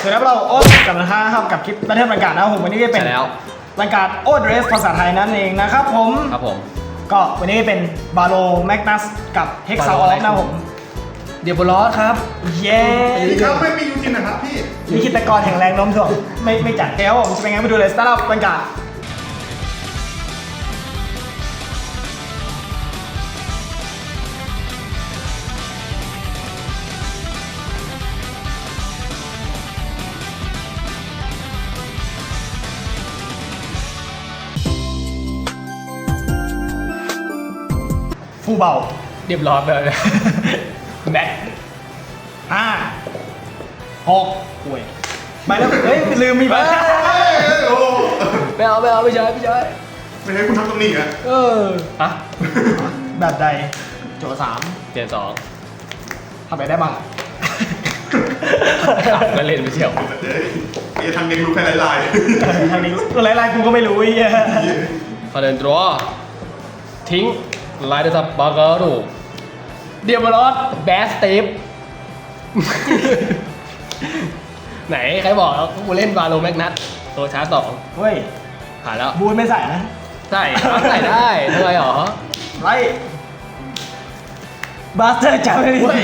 สวัสดีครับเราโอ๊ตกับนะครับกับคลิปบันเทิงบรรยากาศนะครับผมวันนี้เป็นบรรยากาศโอ๊ตเรสภาษาไทยนั่นเองนะครับผมก็วันนี้เป็นบาโลแมกนัสกับเฮกซาออฟนะผมเดียบลอสครับเย้ครับไม่มียูจินนะครับพี่ลิขิตกรแห่งแรงโน้มถ่วงไม่จัดแล้วผมจะเป็นไงมาดูเลยสตาร์ทอัพบรรยากาศฟูเบาเรียบร้อยไปเลยแม็ก6ป่วยไปแล้วเฮ้ยลืมมีไปไม่เอาไม่ใช่ไม่ให้คุณทำตรงนี้อ่ะฮะแบบใดโจ3 เปลี่ยนทำไปได้บ้างก็เล่นไม่เชี่ยวทางเด็กรู้แค่ลายทางนี้ลายกูก็ไม่รู้ไอ้เหี้ยพอเดินตัวทิ้งไลน์ดับบาร์เกอร์เดียบลอสแบสเตปไหนใครบอกแล้วกูเล่นบาโลแมกนัสตัวชาร์จ2 เฮ้ยผ่านแล้วบูนไม่ใส่นะใส่ได้ทำไมหรอไรบาสเตอร์จับไม่ได้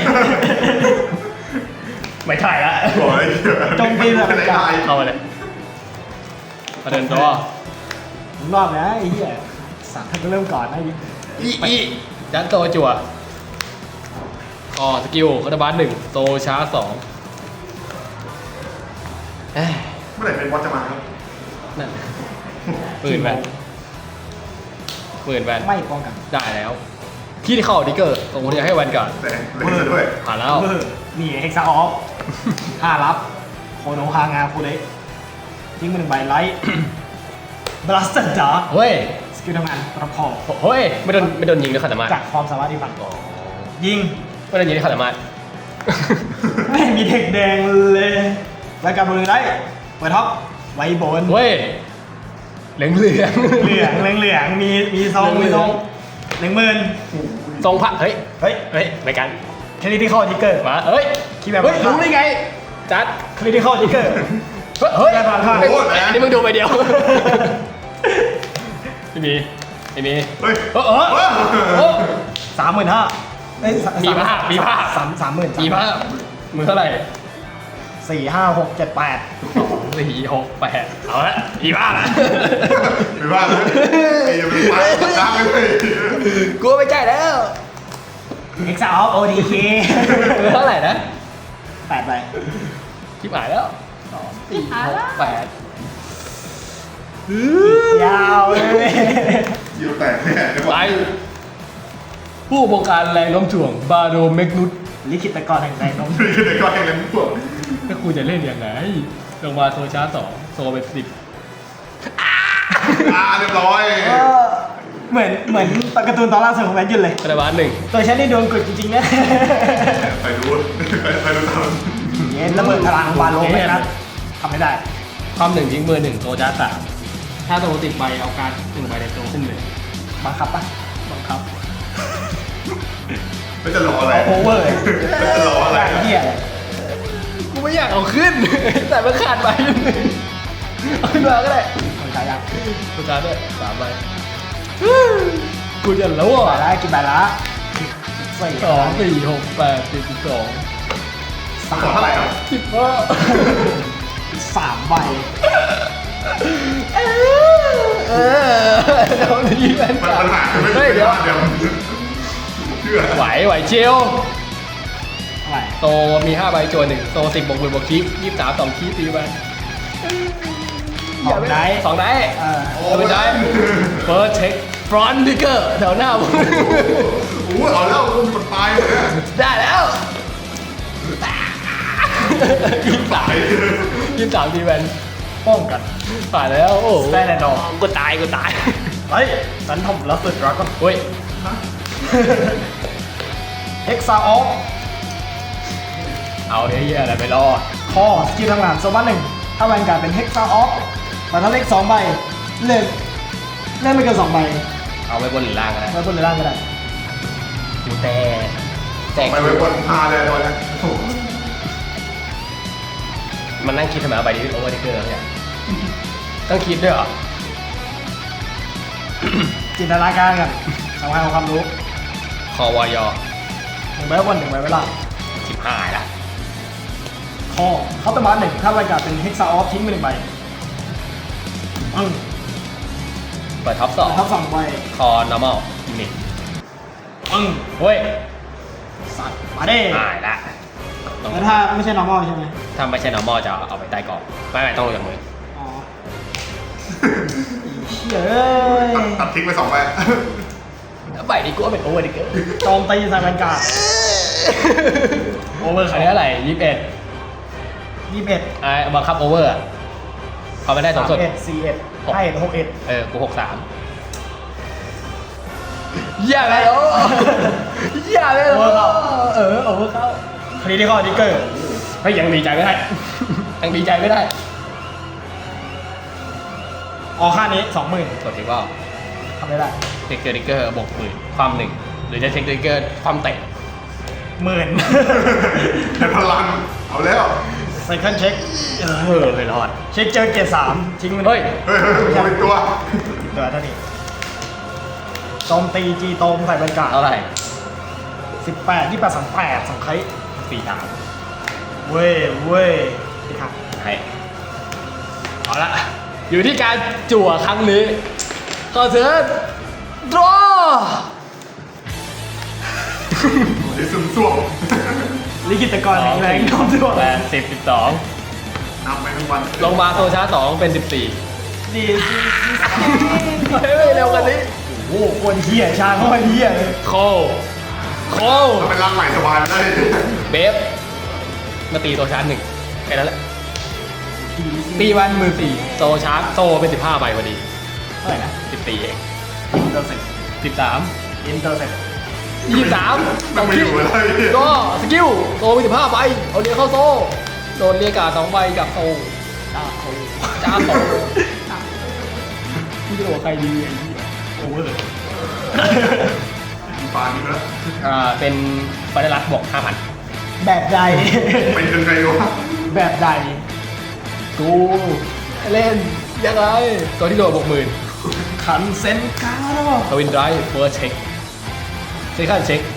ไม่ถ่ายละจงตีแบบลายเข้าไปเลยพอเดินตัวรอบนะไอ้เหี้ยสั่งท่านก็เริ่มก่อนนะอียันโตจั่วสกิลคาร์บาน1โตชาร์จ2 เมื่อไหร่เป็นบอสจะมาครับนั่นปืนแวนไม่ป้องกันได้แล้วที่เข้าดิเกอร์ตรงนี้ให้แวนก่อนเล่นด้วยผ่านแล้วนี่เฮกซาออฟ5รับโคโนฮางาฟูเดทิ้งมา1ใบไลท์บลัสเตอร์จ๋าเฮ้ยสกิลทำงานประคองเฮ้ยไม่โดนยิงด้วยขัดสมาร์ทจากความสามารถที่ฝันยิงไม่โดนยิงด้วยขัดสมาร์ทไม่มีเด็กแดงเลยรายการบอลเลยได้เปิดท็อปไว้บนเฮ้ยเหลืองมีทรง10,000 ทรงผักเฮ้ยรายการคริติคอลทิกเกอร์มาเฮ้ยคิดแบบรู้ได้ไงจัดคริติคอลทิกเกอร์เฮ้ยอันนี้มึงดูไปเดียวไม่มีเฮ้ย 35,000 มีผ้า 30,000 มีผ้ามือเท่าไหร่ 4 5 6 7 8 4 6 8เอาละมีผ้าละมีผ้าเลยอย่าไปฟ้าจ้างเลยกลัวไม่ใช่แล้วเอ็กซ์ออฟ ODK มือเท่าไหร่นะ 8ใบคลิปหายแล้ว2 4 6 8 ยาวเลยยิวแตกแน่ไปผู้บงการแรงโน้มถ่วงบาโดเมกนุสลิขิตกรแห่งแรงโน้มถ่วงถ้าคุณจะเล่นยังไงลงมาโซชาร์2โซเป็น10 เรียบร้อยเหมือนการ์ตูนตอนล่าสุดของแมนยูเลยคาร์บาน1 ตัวฉันนี่โดนกดจริงๆนะไปดูตามเนี่ยระเบิดพลังบาโลแมกนัสทำไม่ได้ความ1ทิ้งมือ1โซชาร์3ถ้าโซติดใบเอาการ1ใบในโซขึ้นเลยบังคับปะบังคับไม่จะรออะไรโอเวอร์จะรออะไรเหี้ยกูไม่อยากเอาขึ้นแต่มันขาดใบเอาขึ้นมาก็ได้คนขายยังตัวการด้วย3ใบกูจะรู้อ่ะได้กี่ใบละ 2 4 6 8 7 12 3เท่าไหร่ครับ 3ใบเดี๋ยวนี้แม่งปัญหาเฮ้ยเดี๋ยวไหวเชียวโตมี5ใบจวน1โต10บวก1บวกคีฟ23 2คีฟตีไป 2ได้เป็นได้เฟิร์สเช็คฟรอนต์ดิเกอร์แถวหน้าผมโอ้เอาแล้วคุณตายเลยได้แล้ว23ทีแวนป้องกันผ่านแล้วโอ้ได้แน่นอนกูตายเฮ้ยสันทอมแล้วสุดรักก็เฮ้ยเอ็กซ์ออฟเอาเฮียอะไรไปรอคอสกิลทำงานโซบัส1ถ้าแวนการ์ดเป็นเฮกซาออฟแต่ถ้าเล็ก2ใบเล่นไม่เกิน2ใบเอาไว้บนหรือล่างก็ได้ไว้บนหรือล่างก็ได้กูแต่ไปไว้บนพาเลยตอนนี้มันนั่งคิดทำไมเอาใบนี้โอเวอร์ดิเกอร์แล้วเนี่ยต้องคิดด้วยเหรอจินตนาการกันสำคัญของความรู้คอวอยอ 1 ใบวัน 1 ใบเวลา 15ละคอเขาตบาร์1ถ้ารายการเป็นเฮกซาออฟทิ้งไป1 ใบเปิดท็อปทับ2 ใบ 2คอ normal unit เฮ้ยสัตว์มาเด้หายละแล้วถ้าไม่ใช่ normal ใช่ไหมถ้าไม่ใช่ normal จะเอาไปใต้กล่องไม่ต้องลงจากมืออ๋อเฮ้ยตัดทิ้งไป2 ใบใบนี้กูว่าเป็นโอเวอร์ดิเกอร์โจมตีใส่บรรยากาศ โอเวอร์อันนี้เท่าไหร่21 21 บังคับโอเวอร์เขาไม่ได้สูงสุด 41 41 61 กู63อย่าเลยโอ้อย่าเลยโอ้โอเวอร์เข้าคดีที่ข้อดิเกอร์เฮ้ยยังดีใจไม่ได้ ยังดีใจไม่ได้ออกค่านี้ 20,000 กดทิ้งว่าทำได้ได้เทคเกอร์ดิเกอร์บวกหมื่นความ1หรือจะเทคดิเกอร์ความเตะ 10,000 ในพลังเอาแล้วไซเคิลเช็คไม่รอดเช็คเจอเกรด3ทิ้งมันเฮ้ยเฮ้ยผมเป็นตัวตัวเท่านี้โจมตีจีโตมใส่บรรยากาศเท่าไหร่ 18 28 38 2 ครั้ง 4 3 เว้ยนี่ครับให้เอาละอยู่ที่การจั่วครั้งนี้ขอเชิญ draw นี่ซึมซ่วมลิขิตกรแข็งแรงน้อมด้วย 10 12 นำไปทั้งวันลงมาโซชาร์2เป็น14 ดีเฮ้ยเร็วกันนี้โอ้โหคนเหี้ยชาเขาเหี้ยเลยโคโคถ้าเป็นร่างใหม่สบายได้เบฟมาตีโซชาร์1แค่นั้นแหละตีวัน14โซชาร์โซเป็น15ใบพอดีเท่าไหร่นะ 14เองอินเตอร์เซ็ป 13 อินเตอร์เซ็ป 23 มันไม่อยู่เลยก็สกิลโซเป็น15ใบเอาเรียกเข้าโซโดนเรียกกา2ใบกับโซจ้าโคจ้าโซพี่จะบอกใครดีไอ้เหี้ยโอเวอร์ปานนี้แล้วเป็นฟาเดลัสบวก 5,000 แบบใดเป็นยังไงวะแบบใดกูเล่นยังไงตัวที่โดนบวกหมื่นขันเซนกาโร่ทวินไดรฟ์เฟิร์สเช็คเซคันด์เช็ค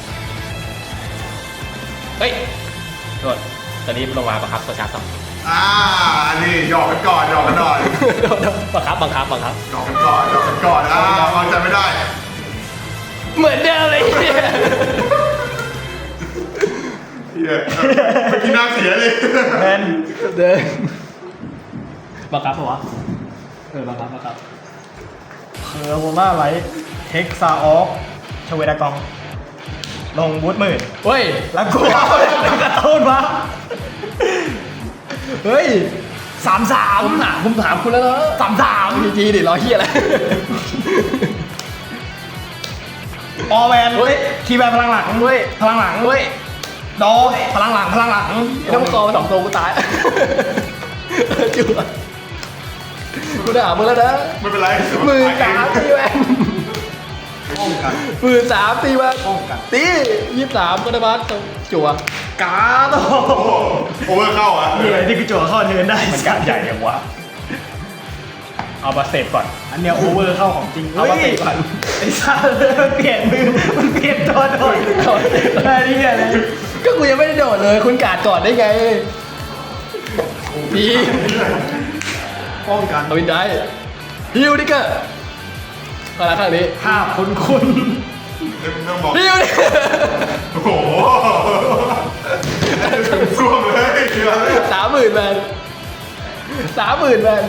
เฮ้ยโทษตอนนี้ลงมาบังคับโซชาร์ต่ออันนี้หยอกกันก่อนหยอกกันหน่อยบังคับหยอกกันก่อนหยอกกันก่อนวางใจไม่ได้เหมือนเดิมเลยเฮียเมื่อกี้น้ำเสียเลยเดินเดินบังคับปะวะบังคับเคอร์โบล่าไลท์เทคซาออฟชเวดากอง ลงบูทหมื่นเฮ้ยแล้วกูเอากระตุ้นมาเฮ้ย 33 ผมถามคุณแล้วเนอะ 33 จีดิรอเฮียอะไรออแวนเฮ้ยทีแวนพลังหลังเฮ้ยพลังหลังเฮ้ยโดพลังหลังต้องโตมา2ตัวกูตายจุ๊บกูด่ามึงแล้วนะไม่เป็นไร 13ตีแวนป้องกัน 13ตีแวนป้องกันตี23ก็ได้บัสจั่วกาโตโอเวอร์เข้าอ่ะนี่ไงที่กูจั่วเข้าเทิร์นได้มันการใหญ่ยังวะเอามาเสพก่อนอันเนี้ยโอเวอร์เข้าของจริงเอามาเตะก่อนไอ้ซ่ามันเปลี่ยนมือมันเปลี่ยนตัวโดนได้ที่อะไรก็กูยังไม่ได้โดดเลยคุณกาดก่อนได้ไงดีป้องกันทวินได้ฮิวดิเกอร์ก็แล้วข้างนี้ภาพคุณเรื่องบอกฮิวดิโอ้โหซึมซ่วมเลย 30,000 แมน30,000 แมน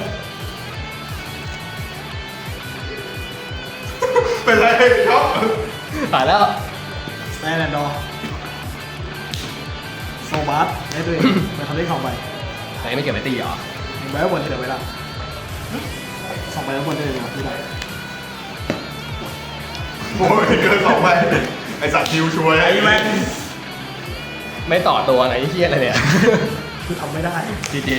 เป็นไรครับผ่านแล้วสแตนแอนด์ดอร์โซบัสได้ด้วยเป็นคำเรียก2 ใบไหนไม่เก็บไว้ตีเหรอ 1 ใบบนที่เหลือไว้ละ2 ใบบนได้เลยที่ไหนโอ้ยเกิน2 ใบไอสัตว์คิวช่วยไอ้แม่งไม่ต่อตัวไหนเฮียอะไรเนี่ยคือทำไม่ได้จีจี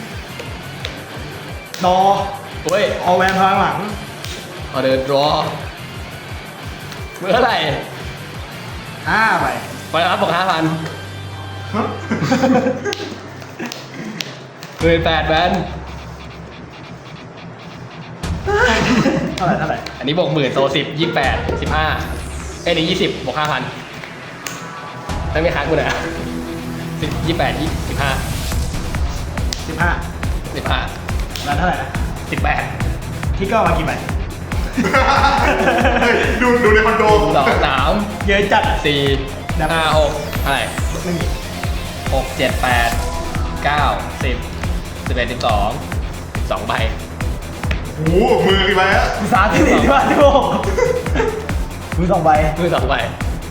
ดอเฮ้ยออแวนพลังหลังออเดอร์ดรอเมื่อไหร่ 5 ใบไปรับบอก5,000 18,000แบนเท่าไหร่อันนี้บวก10,000โซ10 28 15เอ้ยนี่20บวก5,000ไม่ค้างกูหน่อย10 28 25 15แล้วเท่าไหร่นะ 18 ที่ก็เอามากี่ใบดูในคอนโด 2 3 เยอะจัด 4 5 6อะไรไม่มี 6 7 8 9 10 11 12 2ใบโอ้โหมือกี่ใบอะมี3ที่4ที่ว่าที่6มือ2ใบมือ2ใบ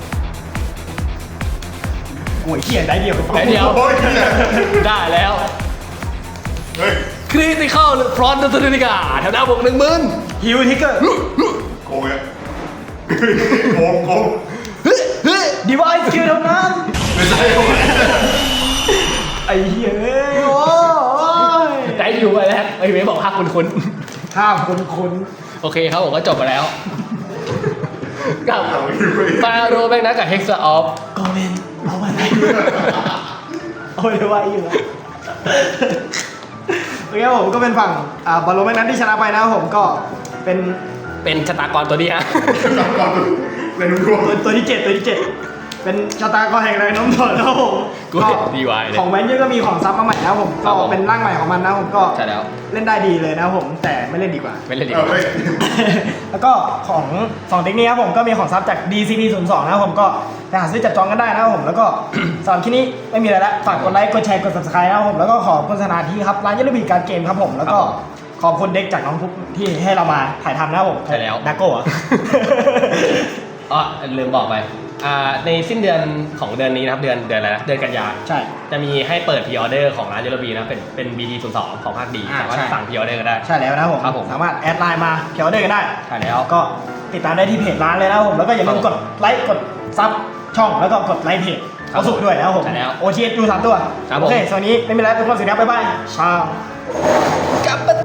โอ้ยเขียนได้เดียวได้เดียวโอ้ยเนี่ยได้แล้วเฮ้ยคริติคอลฟรอนต์ตัวนิกาแถวหน้าบวก10,000 ฮิวทิกเกอร์โกงอะโกงดีวายสกิลเท่านั้นไม่ใช่โกงไอ้เหี้ยเอ้ยโอ้ยได้อยู่ไปแล้วไอ้เมย์บอกภาคคุณห้ามคุณโอเคครับผมก็จบไปแล้ว กับเอาอยู่ไปฟาโรแบงนะกับเฮกซ์ออฟโกเมนเอามาได้โอ้ยไวอยู่แล้วโอเคผมก็เป็นฝั่งบอลโลแมกนัสที่ชนะไปนะครับผมก็เป็นชะตากรตัวนี้ฮะจับก่อนเลยนุ่มร่วงตัวที่ 7 เป็นชะตากรแห่งแรงโน้มถ่วงนะครับผมกูเห็นดีวายเลยของแวนยูก็มีของซับมาใหม่นะครับผมครัก็บผมเป็นร่างใหม่ของมันนะครับผมก็ใช่แล้วเล่นได้ดีเลยนะครับผมแต่ไม่เล่นดีกว่าไม่เล่นดีเอาเฮ้ยแล้วก็ของ2เด็กนี้ครับผมก็มีของซับจาก DCP02 นะครับผมก็ไปหาซื้อจับจองกันได้นะครับผมแล้วก็ สำหรับคลิปนี้ไม่มีอะไรแล้วฝากกดไลค์กดแชร์กด subscribe นะครับผมแล้วก็ขอบคุณสถานที่ครับร้านยัลบีการเกมครับผมแล้วก็ขอบคุณเด็กจากน้องทุกที่ให้เรามาถ่ายทำนะครับผมใช่แล้วดักโก้อะอ๋อลืมบอกไปในสิ้นเดือนของเดือนนี้นะครับเดือนอะไรนะเดือนกันยาใช่จะมีให้เปิดพรีออเดอร์ของร้านเจลบีนะเป็น BD02 ของภาคดีอ่าสามารถใช่สั่งพรีออเดอร์ก็ได้ใช่แล้วนะครับผมครับผมสามารถแอดไลน์มาเขียวได้กันได้ใช่แล้วก็ติดตามได้ที่เพจร้านเลยนะครับผมแล้วก็อย่าลืมกดไลค์กดซับช่องแล้วก็กดไลค์เพจเอาสุกด้วยนะครับผมใช่แล้วโอเชียดู3ตัวครับผมโอเคสวัสดีไม่มีอะไรทุกคนสวัสดีครับบ๊ายบายชาวกลับมา